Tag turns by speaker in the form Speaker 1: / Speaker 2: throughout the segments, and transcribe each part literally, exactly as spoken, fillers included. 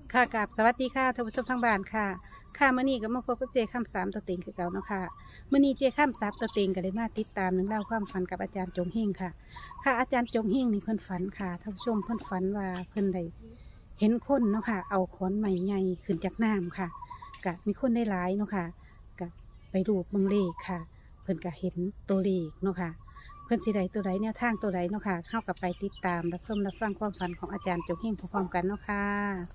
Speaker 1: ค่ะกับสวัสดีค่ะท่านผู้ชมทางบ้านค่ะค่ะมื้อนี้ก็มาพบกับเจข้ามสามตัวเต็งคือเก่าเนาะค่ะมื้อนี้เจข้ามสามตัวเต็งก็ได้มาติดตามหนึ่องเล่าวความฝันกับอาจารย์จงเฮงค่ะ ค่ะอาจารย์จงเฮงนี่เพิ่นฝันค่ะท่านผู้ชมเพิ่นฝันว่าเพิ่นได้เห็นคนเนาะค่ะเอาขอนไม้ใหญ่ขึ้นจากน้ำค่ะก็มีคนได้หลายเนาะค่ะก็ไปรูปเบิ่งเลขค่ะ เพิ่นก็เห็นตัวเลขเนาะค่ะเพิ่นสิได้ตัวใดแนวทางตัวใดเนาะค่ะเฮากับไปติดตามรับชมรับฟังความฝันของอาจารย์จงเฮงพร้อมๆกันเนาะค่ะ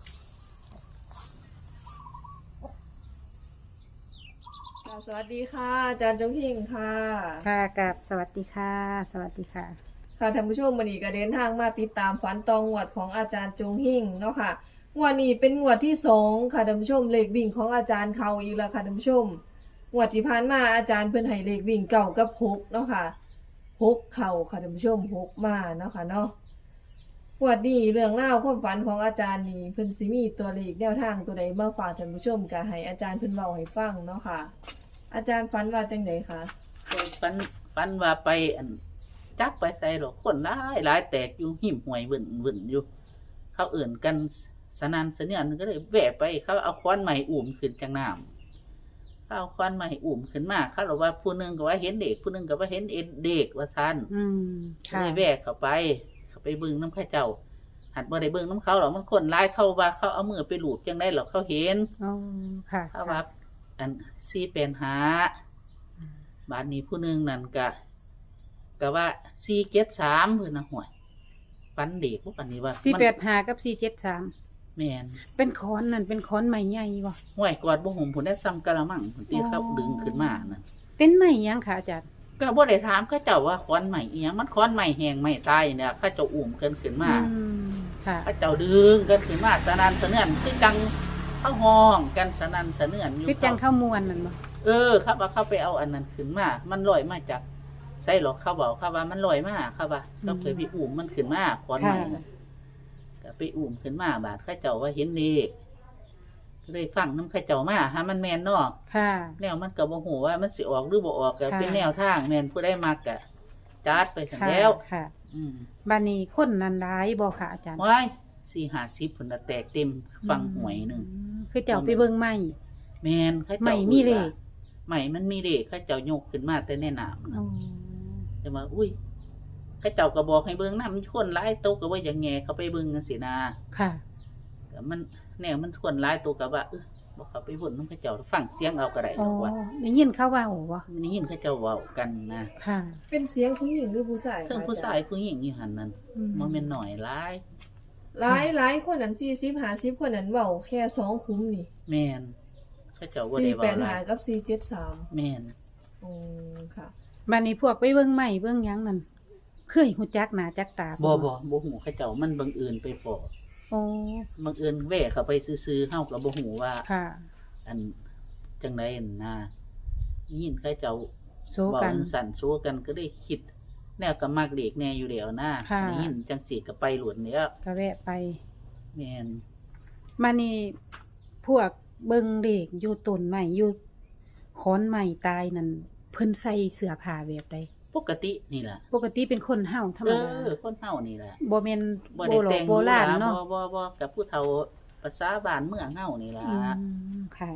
Speaker 2: ค่ะสวัสดีค่ะอาจารย์จงพิงค่ะ
Speaker 1: ค่ะกับสวัสดีค่ะ สวัสดีค่ะ
Speaker 2: ค่ะท่านผู้ชมวันนี้ก็เดินทางมาติดตามฝันตองงวดของอาจารย์จงหิ่งเนาะค่ะงวดนี้เป็นงวดที่สองค่ะท่านผู้ชมเลขวิ่งของอาจารย์เขาอีกแล้วค่ะท่านผู้ชมงวดที่ผ่านมาอาจารย์เพิ่นให้เลขวิ่งเก่ากับหกเนาะค่ะหกเข่าค่ะท่านผู้ชมหกมาเนาะค่ะเนาะงวดนี้เรื่องเล่าวความฝันของอาจารย์นี่เพิ่นสิมีตัวเลขแนวทางตัวใดมาฝากท่านผู้ชมก็ให้อาจารย์เพิ่นเว้าให้ฟังเนาะค่ะ อาจารย์ฝันว่าจังไดคะ
Speaker 3: ฟันฟันว่าไปอันจักไปใส่หรอกคนหลายหลายแตกอยู่หิมห่วยวุ่นวุ่นอยู่ เขาเอื่นกันสนันเสนียนก็เลยแวะไป เขาเอาค้อนใหม่อุ่มขึ้นจากน้ำเขาเอาค้อนใหม่อุ่มขึ้นมาเขาบอกว่าผู้หนึงก็ว่าเห็นเด็กผู้หนึงก็ว่าเห็นเอ็นเด็กว่าซัน
Speaker 1: อืม
Speaker 3: ก็
Speaker 1: ค่ะ
Speaker 3: เลยแวะเข้าไป เขาไปเบิ่งน้ำข้าเจ้า หัดบ่ได้เบิ่งน้ำเขาหรอกมันคนหลายเขาว่าเขาเอามือไปหลูบจังได้หรอกเขาเห็น
Speaker 1: อ๋อ ค่ะ
Speaker 3: เขาว่าอันซีเป็นหาบาทนี้ผู้หนึงนั่นก็ก็ว่าซีเจ็ดสามเพื่อนนะห่วยฟันเด็กพวกอันนี้ว่า
Speaker 1: สี่
Speaker 3: มัน
Speaker 1: แปดห้ากับสี่เจ็ดสาม
Speaker 3: แม่น
Speaker 1: เป็นค้อนนั่นเป็นค้อนใหม่ใหญ่บ่
Speaker 3: ห่วยกอดบ่ห่มผลได้ซ้ำกะละมังผลตีเขาดึงขึ้นมานั่น
Speaker 1: เป็นไม้หยังค่ะอาจารย์
Speaker 3: ก็บ่ได้ถามเขาเจ้าว่าค้อนใหม่อีหยังมันค้อนใหม่แหงใหม่ตายเนี่ยเขาเจ้าอุ้มกันขึ้นมา
Speaker 1: อืม ค่ะ
Speaker 3: เขาเจ้าดึงกันขึ้นมาสนั่นสะเนื่อนคือจังเข้าห้องกันสนั่นสะเนื่อนอยู่
Speaker 1: คือจัง
Speaker 3: เขา
Speaker 1: เข้ามวนนั่นบ่
Speaker 3: เออครับว่าเขาไปเอาอันนั้นขึ้นมา มันลอยมาจากใส่หรอกเขาบอกเขาว่ามันลอยมาเขาว่าเขาเคยไปอุ้มมันขึ้นมาค้อนใหม่น่ะก็ไปอุ้มขึ้นมาบาดเข้าเจ้าว่าเห็นเลขก็เลยฟังน้ำเข้าเจ้ามาหามันแมนเนอก
Speaker 1: ค่ะ
Speaker 3: แนวมันก็บ่ฮู้ว่ามันสิออกหรือบ่ออกก็
Speaker 1: ค่ะ
Speaker 3: เป็นแนวทางแม่นผู้ได้มักก็จัดไปซั่น
Speaker 1: ค่ะ
Speaker 3: แล้ว
Speaker 1: ค่ะ
Speaker 3: อืม
Speaker 1: บ้านนี้คนนั้นหลายบ่ค่ะอาจารย์
Speaker 3: ว้ายสี่ห้าสิบพุ่นน่ะแตกเต็มฟังหวยหนึง
Speaker 1: อืมคือเจ้าไปเบิ่งไม้
Speaker 3: แม่นเขาเจ้า
Speaker 1: ไม่มีเลข
Speaker 3: ไม่มันมีเลขเขาเจ้ายกขึ้นมาแต่ในน้ำ
Speaker 1: อ๋อ
Speaker 3: แต่ว่าอุ้ยเขาเจ้าก็บอกให้เบิ่งนำคนหลายโตก็ว่าอย่างแงเขาไปเบิ่งจังซี่นะ
Speaker 1: ค่ะ
Speaker 3: ก็มันแนวมันคนหลายโตก็ว่าเออบ่เขาไปบ่นนำเขาเจ้าฟังเสียงเอาก็ได้
Speaker 1: อ๋อ
Speaker 3: ดอกว่า
Speaker 1: ได้ยินเขาเว้าบ่
Speaker 3: มันได้ยินเขาเจ้าเว้ากันนะ
Speaker 1: ค่ะ
Speaker 2: เป็นเสียงผู้หญิงหรือผู้ชายคะ
Speaker 3: เทั้งผู้ชายผู้หญิงอยู่หั่นนั่น
Speaker 1: อืม
Speaker 3: บ่แม่นน้อยหลาย
Speaker 2: หลายหลายคนนั้นสี่สิบห้าสิบคนนั้นเว้าแค่สองคุ้มนี่
Speaker 3: แม่นเขาเจ้าบ่
Speaker 2: สี่
Speaker 3: ได้
Speaker 2: แป
Speaker 3: เว้า
Speaker 2: ด
Speaker 3: ห
Speaker 2: ห้า
Speaker 3: ลาย
Speaker 2: กับสี่เจ็ดสาม
Speaker 3: แม่น
Speaker 2: อืมค่ะ
Speaker 1: บ้านนี้พวกไปเบิ่งไม้เบิ่งหยังนั่นเคยฮู้จักหน้าจักตา
Speaker 3: บ่บ่บ่ฮู้เขาเจ้ามันบังเอิญไปพอ
Speaker 1: โอ้
Speaker 3: บังเอิญแว่เข้าไปซื่อๆเฮาก็บ่ฮู้ว่า
Speaker 1: ค่ะ
Speaker 3: อันจังได๋นะยินเขาเจ้า
Speaker 1: โซ
Speaker 3: เว้า
Speaker 1: กัน
Speaker 3: จังสั่นสู้กันก็ได้คิด แนวก็มักเด็กแน่อยู่แล้วนะ
Speaker 1: ค่ะ
Speaker 3: ได้ยินจังสิก็ไปหลวนแล้ว
Speaker 1: ก็แวะไป
Speaker 3: แม่น
Speaker 1: มานี่พวกเบิงเด็กอยู่ต้นไม้อยู่ขอนไม้ตายนั่นเพิ่นใส่เสื้อผ้าแบบใด
Speaker 3: ปกตินี่ล่ะ
Speaker 1: ปกติเป็นคนเฮาธรรม
Speaker 3: เอ
Speaker 1: ดา
Speaker 3: อคนเฮานี่ล่ะ
Speaker 1: บ่แม่น
Speaker 3: บ่
Speaker 1: โบ
Speaker 3: ได้
Speaker 1: รา
Speaker 3: แต่
Speaker 1: ณ
Speaker 3: ง
Speaker 1: โบราณ
Speaker 3: ห
Speaker 1: เนาะ
Speaker 3: บ่บ่บ่กับผู้เฒ่าภาษาบ้านเมืองเฮานี่ล่ะ
Speaker 1: อืมค่ะ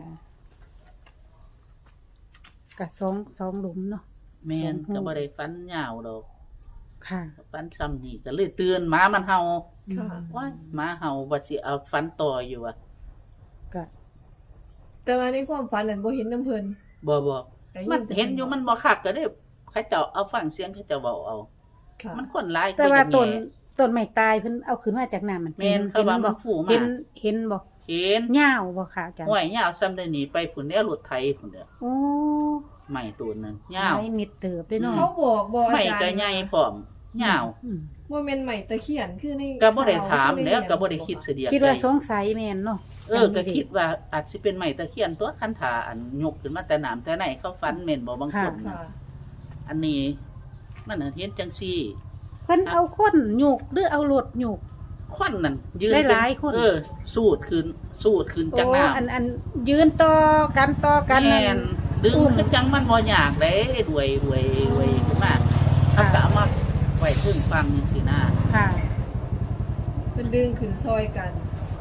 Speaker 1: กะสองสองหลุมเนาะ
Speaker 3: แม่น
Speaker 1: สองหู
Speaker 3: ก็บ่ได้ฟันยาวดอก
Speaker 1: ค่ะ
Speaker 3: ฟันซ้ำนี่ก็เลยเตือนหมามันเห่า
Speaker 2: ค่ะ
Speaker 3: ว้ายหมาเห่าว่าสิเอาฟันต่ออยู่อ่ะ
Speaker 1: ก็
Speaker 2: แต่ว่าในความฝันนั้นบ่เห็นน้ำเพิ่น
Speaker 3: บ่บ่
Speaker 2: ได้
Speaker 3: มัน
Speaker 2: แต่
Speaker 3: เห็นอยู่มันบ่คักก็ได้เขาเจ้าเอาฟังเสียงเขาเจ้าเว้าเอา
Speaker 2: ค่ะ
Speaker 3: มันคนหลาย
Speaker 1: แต่ว่า
Speaker 3: คือ
Speaker 1: ต้น
Speaker 3: แง่
Speaker 1: ต้นไม้ตายเพิ่นเอาขึ้นมาจากน้ำมัน
Speaker 3: แม่นเขาว่ามันฟูมา
Speaker 1: เห็นเห็นบ่
Speaker 3: เห็น
Speaker 1: ยาวบ่ค่ะอาจารย์
Speaker 3: ห้วยยาวซ้ำได้หนีไปผุนแล้วรถไถผุนเด้อ
Speaker 1: โอ้
Speaker 3: ใหม่ตัวนึงยาว
Speaker 1: ไม้มิดเติบเลยเนาะ
Speaker 2: เขาบอกบ่อา
Speaker 3: ใหม่
Speaker 2: จารย์
Speaker 3: ก็ใหญ่พร้อมยาว
Speaker 1: อืม
Speaker 2: ว่าแม่นใหม่ตะเคียนคือใน
Speaker 3: ก็บ่ได้ถาม
Speaker 2: ข่
Speaker 3: แล้วก็บ่ได้
Speaker 2: คือใน
Speaker 3: คิดเสียเดียว
Speaker 1: คิดว่า
Speaker 3: ใจ
Speaker 1: สงสัยแม่นเนาะ
Speaker 3: เออก็คิดว่าอาจสิเป็นใหม่ตะเคียนตัวคันถาอันยกขึ้นมาแต่น้ำแต่ไหนเขาฟันแม่นบ่บางคน
Speaker 2: ค่ะ
Speaker 3: น่ะอันนี้มันน่ะเห็นจังซี่
Speaker 1: เพิ่นเอาคนหยุกหรือเอารถหยุก
Speaker 3: ควันนั่นยืน
Speaker 1: ได้
Speaker 3: เป็น
Speaker 1: หลายคน
Speaker 3: เออ สูดขึ้นสูดขึ้นจัง
Speaker 1: โอ้
Speaker 3: น้
Speaker 1: อันอันยืนต่อกันต่อ
Speaker 3: ำ
Speaker 1: กัน
Speaker 3: แม่นดึง
Speaker 1: อุ้ม
Speaker 3: คือจังมันบ่ยากเด้รวยรวยรวยขึ้นมาเขาก็เอามาไว้ถึงฟังจังซี่นะ
Speaker 1: ค่ะ
Speaker 2: เพิ่นดึงขึ้นซอยกัน
Speaker 3: แ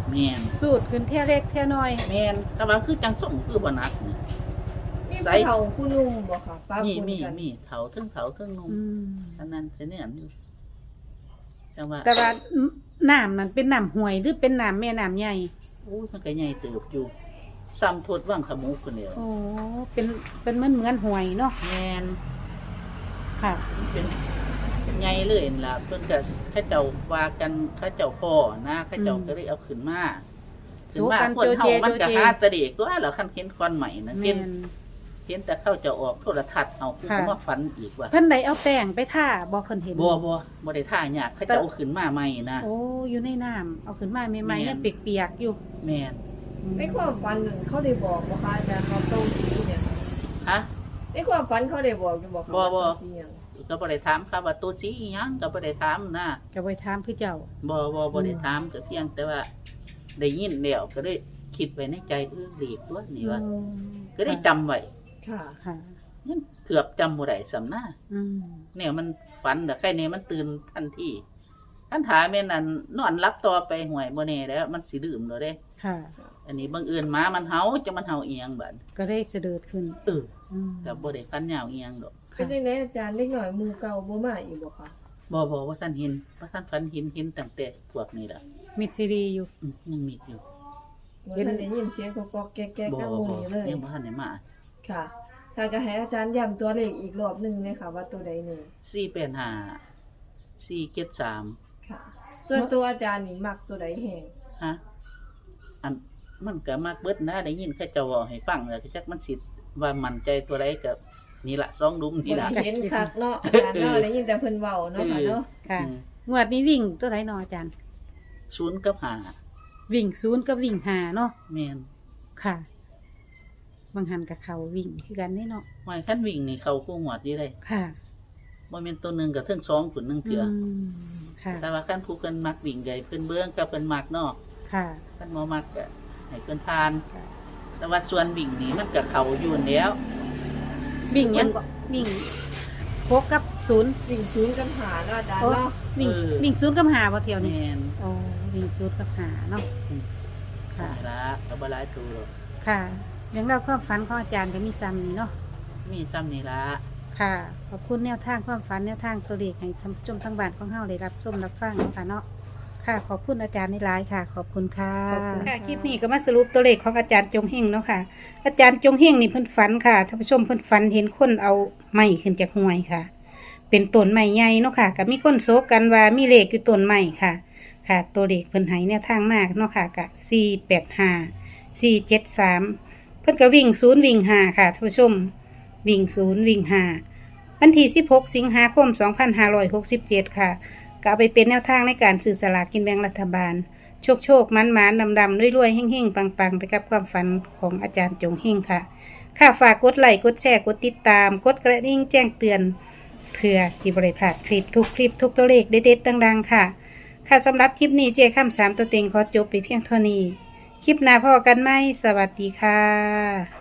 Speaker 3: แม่น
Speaker 1: สูตรขึ้นเท่ยเล็กเท่ยน้อย
Speaker 3: แม่นแต่ว่าคือจังส่งคือบ่หนักนี่
Speaker 2: มี
Speaker 3: ใส่
Speaker 2: ผู้เฒ่าผู้หนุ่มบ่ค่ะป้า
Speaker 3: มี
Speaker 2: ปน
Speaker 3: มี
Speaker 2: กัน
Speaker 3: มีเฒ่าเทั้งเฒ่าเทั้งหนุ่ม
Speaker 1: อืม
Speaker 3: อันนั้นเสยเนียนอยู่จังว่า
Speaker 1: แต่ว่าน้ำมันเป็นน้ำห้วยหรือเป็นน้ำแม่น้ำใหญ่
Speaker 3: โอ้ยมันก็ใหญ่เติบอยู่ซ้ำโทษว่างขมูคนเดียว
Speaker 1: โอ้เป็นเป็นเหมือนเหมือนห้วยเนาะ
Speaker 3: แม่น
Speaker 1: ค่ะ
Speaker 3: เป็นใหญ่เลยนั่นล่ะเพิ่นก็เขาเจ้าว่ากันเขาเจ้าพ่อนะเขาเจ้าก็เลยเอาขึ้นมาขึ้นมาคนเฮามันก็หาแตะเด็กตัวแล้วคันเห็นควันใหม่นะเห็
Speaker 1: แม่
Speaker 3: น
Speaker 1: น
Speaker 3: เห็นแต่เข้าจะออกโทรทัศน์เอาคือเขามาฝันอีกว่า
Speaker 1: เพิ่นได้เอาแป้งไปทาบ่เพิ่นเห็น
Speaker 3: บ่บ่บ่ได้ท่ายากเขาจะเอาขึ้นมาใหม่นะ
Speaker 1: โอ้อยู่ในน้ำเอาขึ้นมาใหม่
Speaker 3: แม่
Speaker 1: ๆ
Speaker 3: น
Speaker 1: ยังเปียกๆอยู่
Speaker 3: แม่น
Speaker 2: ในความฝันนั่นเขาได้บอกบ่คะอาจารย์เขาโตสีเนี่ย
Speaker 3: ฮะ
Speaker 2: ในความฝันเขาได้บอกอยู่บ่คะ
Speaker 3: บ่บ่
Speaker 2: ว่าโตสีหยัง
Speaker 3: ก็บ่ได้ถามครับว่าตัวสีอีหยังก็บ่ได้ถามนะ
Speaker 1: ก็ไว้ถามคือเจ้า
Speaker 3: บ่บ่บ่ได้ถามก็เพียงแต่ว่าได้ยินแล้วก็ได้คิดไว้ในใจเออเด็กตัวนี้ว่า
Speaker 1: อืม
Speaker 3: ก็ได้จำไว้
Speaker 2: ค่ะ
Speaker 1: ค่ะ
Speaker 3: ยังเกือบจำบ่ได้สำนา
Speaker 1: อืม
Speaker 3: เนี่ยมันฝันแต่ใครเนี่ยมันตื่นทันทีคันถามแม่นนั่นนอนรับต่อไปห่วยบ่แน่แล้วมันสิดื่มแล้วเด้
Speaker 1: ค่ะ
Speaker 3: อันนี้บังเอิญหมามันเห่าจะมันเห่าเอียงบัด
Speaker 1: ก็ได้เสด็จขึ้น
Speaker 3: เออ
Speaker 1: อืม
Speaker 3: ก็บ่ได้ฟันยาวเอียงดอก
Speaker 2: เป็นจังไดอาจารย์เล็กหน่อยหมู่เก่าบ่มาอีกบ่คะ
Speaker 3: บ่บ่ว่าท่านเห็นว่าท่านฝันเห็นเห็นตั้งแต่พวกนี้ล่ะ
Speaker 1: มิดซีรีอยู่
Speaker 3: อืมยังมีอยู่
Speaker 2: บ่ทันได้ยินเสียงกอกๆแก๊ก
Speaker 3: บ่
Speaker 2: ๆนำห
Speaker 3: บ่
Speaker 2: มู่นี้เลย
Speaker 3: ยังบ่ทันได้มา
Speaker 2: ค่ะถ้าก็ให้อาจารย์ย้ำตัวเลขอีกรอบหนึงเลยค่ะว่าตัวใดนี่
Speaker 3: สี่แปดห้า สี่เจ็ดสาม
Speaker 2: ค่ะ ส่วนตัวอาจารย์นี่มักตัวใดแฮง
Speaker 3: ฮะอันมันก็มักเบิดนะได้ยินเขาเจ้าเว้าให้ฟังแล้วก็จักมันสิว่ามั่นใจตัวใดก็นี่ล่ะสองดุมนี่
Speaker 2: บ่
Speaker 3: ล่ะ
Speaker 2: ได้เห็นคักเนาะอาจารย์เนาะได้ยินแต่เพิ่นเว้าเนาะค่ะเนาะ
Speaker 1: ค่ะ
Speaker 3: อืม
Speaker 1: งวดนี้วิ่งตัวไหนเนาะอาจารย์
Speaker 3: ศูนย์กับห้า
Speaker 1: วิ่งศูนย์กับวิ่งหาเนาะ
Speaker 3: แม่น
Speaker 1: ค่ะบางหันกับเขาวิ่งคือกันนี่เนาะ
Speaker 3: หมายคันวิ่งนี่เขาคู่หวดดีเลย
Speaker 1: ค่ะ
Speaker 3: บ่แม่นตัวหนึงกับเทิงสองขุนหนึงเถื่ออ
Speaker 1: มค่ะ
Speaker 3: แต่ว่าคันผู้เพิ่นมักวิ่งใหญ่เพิ่นเบิ่งกับเพิ่นมักเนาะ
Speaker 1: ค่ะ
Speaker 3: คันบ่มักก็ให้เพิ่นผ่าน
Speaker 1: ค่ะ
Speaker 3: แต่ว่าส่วนวิ่งนี่มันก็เข้าอยู่นั่นแหล้ว
Speaker 1: วิ่งยังบ่วิ่งหกกับศูนย์
Speaker 2: วิ่งศูนย์กันหาเนาะอาจารย์
Speaker 1: โอ้
Speaker 2: เนาะ
Speaker 1: วิ่งวิ่งศูนย์กับหาบ่เที่ยวนี่
Speaker 3: แม่น
Speaker 1: โอ้วิ่งศูนย์กับหาเนาะค่ะ
Speaker 3: ละก็บ่หลายตัวหรอก
Speaker 1: ค่ะเรื่องเล่าวความฝันของอาจารย์ก็มีซ้ำนี่เนาะ
Speaker 3: มีซ้ำนี่ละ
Speaker 1: ค่ะ ขอบคุณแนวทางความฝันแนวทางตัวเลขให้ท่านผู้ชมทางบ้านของเฮาเลยรับชมรับฟังเนาะค่ะเนาะค่ะ ขอบคุณอาจารย์ในหลายค่ะ ขอบคุณค่ะ
Speaker 2: ขอบคุณ
Speaker 1: ค่ะ
Speaker 2: ค่ะ
Speaker 1: คลิปนี้ก็มาสรุปตัวเลขของอาจารย์จงเฮงเนาะค่ะ อาจารย์จงเฮงนี่เพิ่นฝันค่ะท่านผู้ชมเพิ่นฝันเห็นคนเอาไม้ขึ้นจากห้วยค่ะ เป็นต้นไม้ใหญ่เนาะค่ะก็มีคนโซกกันว่ามีเลขอยู่ต้นไม้ค่ะ ค่ะ ตัวเลขเพิ่นให้แนวทางมากเนาะค่ะกะสี่แปดห้าสี่เจ็ดสามเพิ่นก็วิ่งศูนย์วิ่งห้าค่ะท่านผู้ชม วิ่งศูนย์วิ่งห้าวันที่สิบหกสิงหาคมสองพันห้าร้อยหกสิบเจ็ดค่ะก็เอาไปเป็นแนวทางในการซื้อสลากกินแบ่งรัฐบาล โชคโชคมันมันดำดำรวยรวยเฮ่งเฮ่งปังปังไปกับความฝันของอาจารย์จงเฮ่งค่ะ ค่ะฝากกดไลค์กดแชร์กดติดตาม กดกระดิ่งแจ้งเตือนเพื่อที่บริพลาดคลิปทุกคลิปทุกตัวเลขเด็ดๆดังๆค่ะ ค่ะสำหรับคลิปนี้เจาข้ามสามตัวเต็งขอจบไปเพียงเท่านี้ คลิปหน้าพอกันไหมสวัสดีค่ะ